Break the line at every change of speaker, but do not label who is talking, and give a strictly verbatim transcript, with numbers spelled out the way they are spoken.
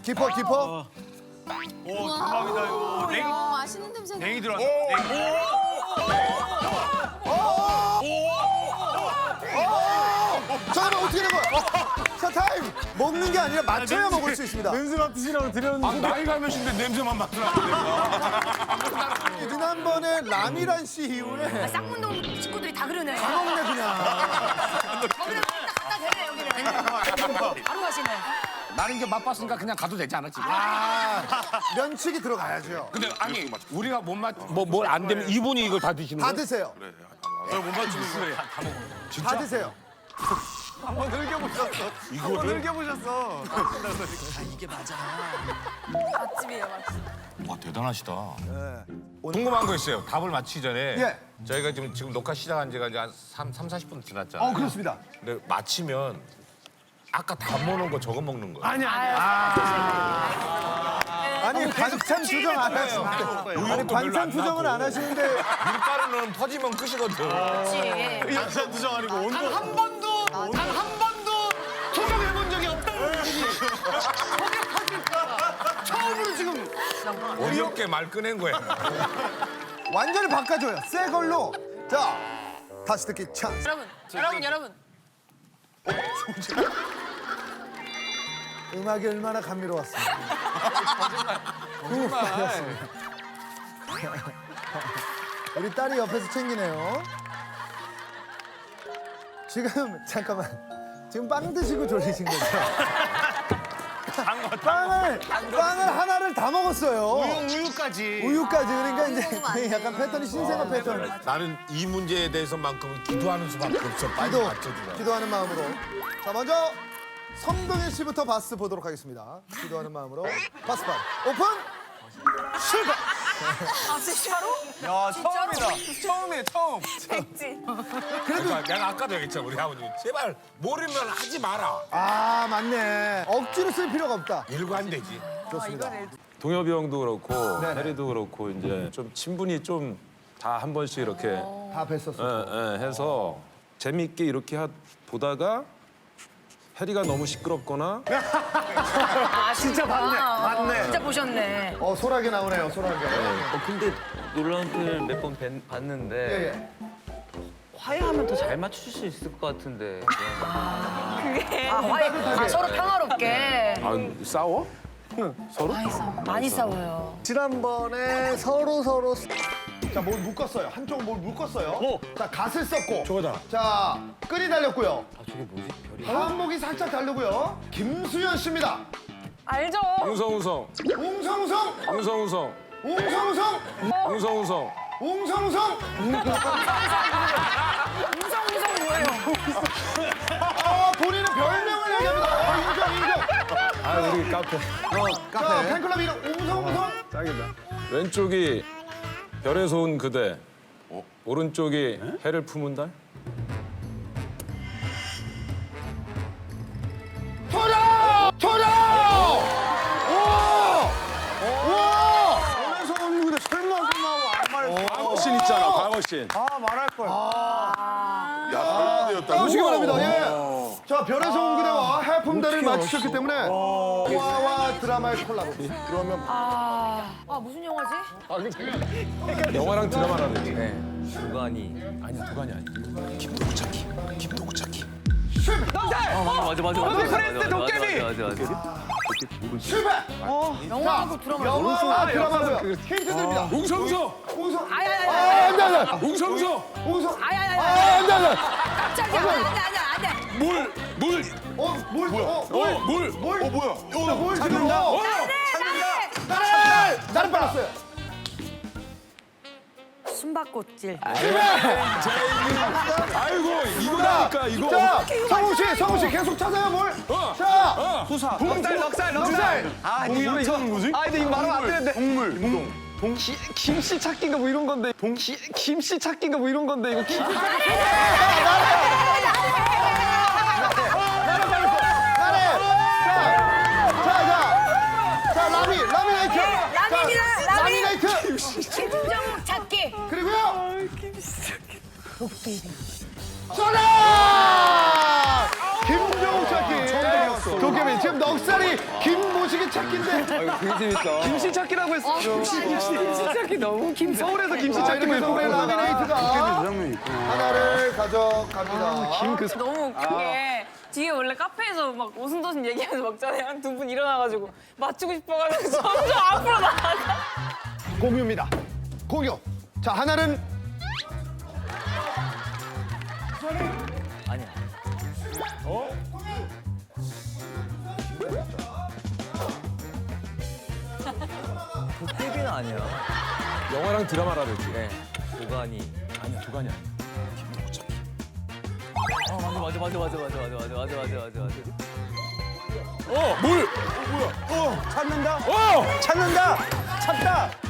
깊어 깊어.
오 대박이다 이거. 냉
야, 맛있는 냄새.
냉이 들어왔다. 냉.
잠깐만 어떻게 된 거야? 자 타임. 먹는 게 아니라 맞춰야 먹을 수 있습니다.
냄새 맡으시라고 드렸는데.
아, 나이가 몇인데 냄새만 맡으라는데.
지난번에 라미란 씨 이후에
쌍문동 식구들이 다 그러네.
다 먹네 그냥.
거기는 딱 갖다 대네 여기는. 바로 가시네.
나는 이제 맛봤으니까 그냥 가도 되지 않아 지금?
아 면치기 들어가야죠.
근데 아니 우리가 못 맞, 뭐뭘 안 되면 이분이 이걸 다 드시는
다
거야?
드세요.
저못 맞추는 거예요.
다 드세요.
한번 흘겨보셨어. 한번 흘겨보셨어.
맛집이에요 맛집.
와 대단하시다. 궁금한 거 있어요. 답을 맞히기 전에
예.
저희가 지금 지금 녹화 시작한 지가 이제 한 삼, 사십 분 지났잖아요.
어 그렇습니다.
근데 맞히면 아까 다 먹는 거 저거 먹는 거야.
아니 아니.
아니 반찬 투정 안 하시는데. 아니 반찬 투정은 안 하시는데.
밀가루는 퍼지면 끝이거든.
그렇지.
반찬 투정 아니고 온도. 단 한 번도 단 한 번도 투정해본 적이 없다는 분이. 처음으로 지금.
어렵게 말 꺼낸 거야.
완전히 바꿔줘요. 새 걸로. 자 다시 듣기 찬스.
여러분, 여러분, 여러분.
음악이 얼마나 감미로웠습니다. 거짓말. 우리 딸이 옆에서 챙기네요. 지금 잠깐만. 지금 빵 드시고 졸리신 거죠? 빵을 빵을 하나를 다 먹었어요.
우유 우유까지.
우유까지 그러니까 이제 약간 패턴이 신생아 패턴.
나는 이 문제에 대해서만큼은 기도하는 수밖에 없어. 빨리
기도
맞춰주라.
기도하는 마음으로. 자 먼저 성동일 씨부터 바스 보도록 하겠습니다. 기도하는 마음으로 바스판 오픈. 실패.
아, 진짜로?
야 처음이다. 처음이에요 처음.
백지.
그러니까 내가 아까도 얘기했잖아 우리 아버님 제발 모르면 하지 마라.
아 맞네. 억지로 쓸 필요가 없다.
일고 안 되지.
좋습니다.
동엽이 형도 그렇고
네네.
해리도 그렇고 이제 좀 친분이 좀 다 한 번씩 이렇게
다 뵀었어.
예, 예, 해서 재밌게 이렇게 하, 보다가 해리가 너무 시끄럽거나
아, 진짜
봤네, 봤네.
진짜 보셨네.
어 소라게 나오네요. 소라게.
어, 근데 놀라운 표현을 몇 번 봤는데
예, 예.
화해하면 더 잘 맞추실 수 있을 것 같은데
그게. 아, 화해. 아, 서로 평화롭게.
아, 싸워? 서로?
많이 싸워. 많이 싸워요.
지난번에 서로 서로 자뭘 묶었어요. 한쪽은 뭘 묶었어요. 자 갓을 썼고.
저거다.
자 끈이 달렸고요.
아 저게 뭐지? 별이
한목이 살짝 다르고요. 김수현 씨입니다.
알죠?
웅성웅성,
웅성웅성,
웅성웅성,
웅성웅성,
웅성웅성.
웅성웅성.
웅성웅성 뭐예요?
아 본인은 별명을 얘기합니다. 아, 인정 인정.
아, 우리 카페.
자 팬클럽 이름 웅성웅성.
짱이다. 왼쪽이 별에서 온 그대, 오른쪽이 해를 품은 달.
토라! 토라! 오! 오!
그래서 언니 근데 설마 설마 하고 아무 말.
광어신 있잖아, 광어신.
아 말할 걸.
보시기 바랍니다. 예. 자 별에서 온 그대와 해품대를 맞추셨기 때문에 영화와 드라마의 콜라보. 그러면
아, 아 무슨 영화지?
영화랑 드라마랑 되지.
주관이
아니야, 두관이 아니야.
실패!
아 맞아 맞아 맞아
프렌즈 도깨비!
맞아 맞아 맞아
실패!
영화하고 드라마.
영화와 드라마고요. 힌트 드립니다.
웅성웅성,
웅성.
아야야야.
아, 안 돼, 안 돼.
웅성웅성.
웅성.
아야야야.
아, 안 돼, 안 돼.
깜짝이야. 안돼 안돼 안돼.
물, 물,
어, 뭘? 어,
어, 물.
뭘?
어 뭐야?
자, 뭘 지금? 어,
어,
나를! 나를 빨았어요.
숨바꼭질.
아이고, 이거라니까, 이거.
자, 성우 씨, 성우 씨 계속 찾아요, 뭘?
어.
자,
수사. 넉살 넉살 넉살. 아 이거 이거 뭐지? 아 근데 이거 말하면 안 되는데. 동물. 동. 동. 기, 김씨 찾기인가 뭐 이런 건데. 동. 기, 김씨 찾기인가 뭐 이런 건데 이거. 기,
나를 빨았어. 나를. 자, 자, 자, 자, 라미, 라미네이트.
라미입니다,
자,
라미.
라미네이트.
김정욱 찾기.
그리고요.
도깨비.
정답! 김종욱 찾기.
처음 들었어.
도깨비 지금 넉살이 김모식의 찾기인데.
이거 되게 재밌다. 김씨 찾기라고 했어. 김씨 찾기 너무 김 서울에서 김씨
자,
찾기
이렇게 해서 우리 라미네이트가 하나를 가져갑니다.
김그
너무 웃긴 게 뒤에 원래 카페에서 막 오순도순 얘기하면서 먹잖아요. 두 분 일어나가지고 맞추고 싶어가지고 점점 앞으로 나가.
공유입니다. 공유. 자, 하나는
아니야. 어? 도깨비는 아니야.
영화랑 드라마라 그랬지.
네. 도가니.
아니야, 두간이 아니야.
아 맞아 맞아 맞아 맞아 맞아 맞아 맞아 맞아 맞아 맞아.
어, 물!
찾는다.
어!
찾는다. 찾다.